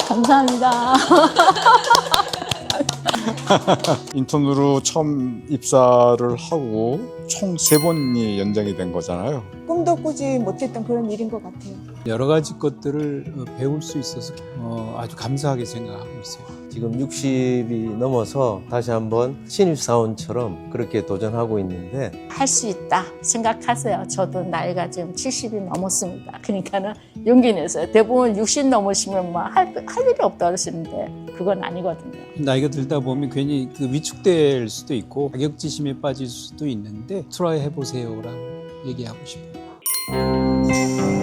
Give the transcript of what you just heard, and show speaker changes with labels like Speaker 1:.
Speaker 1: 감사합니다.
Speaker 2: 인턴으로 처음 입사를 하고 총 3번이 연장이 된 거잖아요.
Speaker 1: 꿈도 꾸지 못했던 그런 일인 것 같아요.
Speaker 3: 여러 가지 것들을 배울 수 있어서 아주 감사하게 생각하고 있어요.
Speaker 4: 지금 60이 넘어서 다시 한번 신입사원처럼 그렇게 도전하고 있는데
Speaker 1: 할 수 있다 생각하세요. 저도 나이가 지금 70이 넘었습니다. 그러니까는 용기 내세요. 대부분 60 넘으시면 뭐 할 일이 없다 그러시는데 그건 아니거든요.
Speaker 3: 나이가 들다 보면 괜히 그 위축될 수도 있고 자격지심에 빠질 수도 있는데 트라이 해보세요라고 얘기하고 싶어요.